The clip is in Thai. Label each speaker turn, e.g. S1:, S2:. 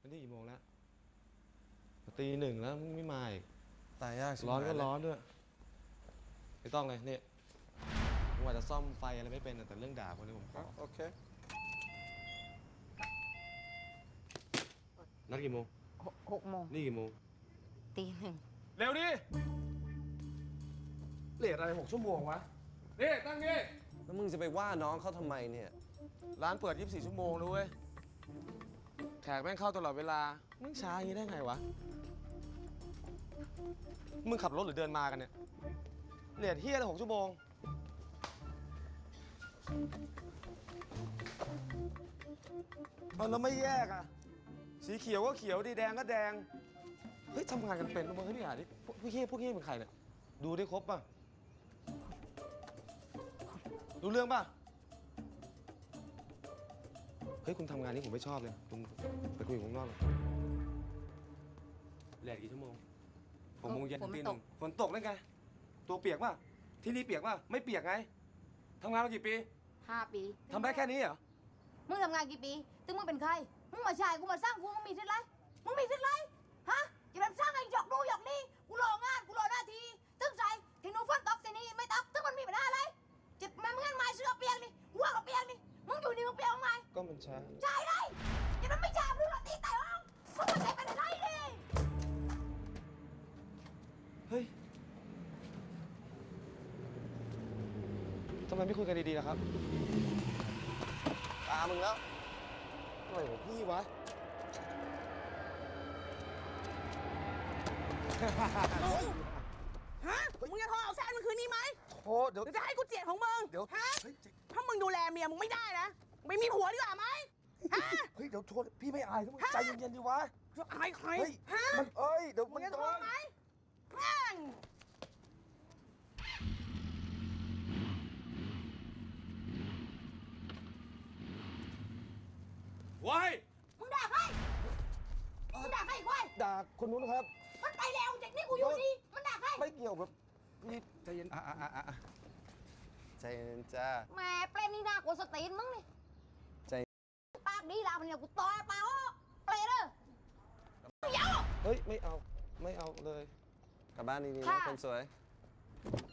S1: นี่กี่โมงแล้วตี 1แล้วมึงไม่มาอีก
S2: ตายยากใช่ไหม
S1: ร้อนก็ร้อนด้วยไม่ต้องเลยเนี่ยมึงอาจจะซ่อมไฟอะไรไม่เป็นแต่เรื่องด่าคนนี้ผมขอ
S2: โอเค
S1: นัดกี่โมง
S3: 6 โมง
S1: นี่กี่โมง
S3: 1:00
S1: เร็วดิเลทอะไร6 ชั่วโมงวะนี่ตั้งนี่
S2: แล้วมึงจะไปว่าน้องเขาทำไมเนี่ย
S1: ร้านเปิด24 ชั่วโมงนะเว้ยแขกแม่งเข้าตลอดเวลามึงช้าอย่างนี้ได้ไงวะมึงขับรถหรือเดินมากันเนี่ยเลทเฮียละ6 ชั่วโมงเอาแล้วไม่แยกอ่ะสีเขียวก็เขียวดีแดงก็แดงเฮ้ยทำงานกันเป็นมั้งเฮ้ยพี่หาดิพวกเฮียเป็นใครเนี่ยดูได้ครบป่ะรู้เรื่องป่ะเฮ้ยคุณทำงานนี้ผมไม่ชอบเลยคุณไปคุยกับข้างนอกเลยเลทกี่ชั่วโมง6 โมงเย็นถึงตี 1ฝนตกได้ไงตัวเปียกป่ะที่นี่เปียกป่ะไม่เปียกไงทำงานมากี่ปี
S3: 5 ปี
S1: ทำได้แค่นี้เหรอ
S3: มึงทำงานกี่ปีตึงมึงเป็นใครมึงมาชายกูมาสร้างกูมึงมีสิทธิ์ไรมึงมีสิทธิ์ไรฮะจะแบบสร้างไอ้หยอกนู่นหยอกนี่กูรองานกูรอหน้าที่ตึงใจถึงหนูฝนตกเสนี่ไม่ตกตึงมันมีปัญหาอะไรจะแม่มึงงั้นไม้เสื้อเปียกนี่หัวกับเปียกนี่มึงอยู่นี่มึงเปียกทำไม
S1: ก็มันช้า
S3: จ่ายเลยอย่ามันไม่จ่ายมึงหรอกตีแต่ห้องมึงมาใช้เป็นอะไรดิ
S1: เฮ้ยทำไมไม่คุยกันดีๆล่ะครับ
S2: ตามึงแล้ว
S1: อะไรของพี่วะ
S4: ฮะ มึงจะโทรเอาแซนมันคืนนี้ไหม
S2: โทษเดี๋ยว
S4: หรือจะให้กูเจียดของมึง
S2: เดี๋ยว
S4: ฮะ
S2: เฮ้ย
S4: ถ้ามึงดูแลเมียมึงไม่ได้นะไม่มีผัวดีกว่าไหมฮะ
S2: เฮ้ย เดี๋ยวโทษพี่ไม่อายทุกคน
S4: ฮะ
S2: ใจเย็นๆดิวะ
S4: จะอายใคร
S2: เฮ้ย
S4: ฮะ
S2: มันเอ้ย เดี๋ยว
S4: มึ
S2: มั
S4: ง
S2: น
S4: จะ
S2: โด
S4: โทร
S2: น
S4: ไหมแม่ง
S1: ว้าย
S3: มึงด่าใครมึงด่าใครควาย
S2: ด่าคนนู้นนะครับ
S3: มันไปแล้วจากนี่กูอยู่นี่มันด่าใคร
S2: ไม่เกี่ยวกับพี่ใจเย็นใจเย็นจ้า
S3: แหม่เปรนนี่น่ากลัวสตีนมึงนี่
S2: ใจ
S3: ปากดีแล้วมันเนี่ยกูต่อยปากอ้อเปรนเด้อไม่เอา
S1: เฮ้ย ไม่เอาเลย
S2: กลับบ้านดีๆ
S3: ค่ะ
S2: นะคนสวย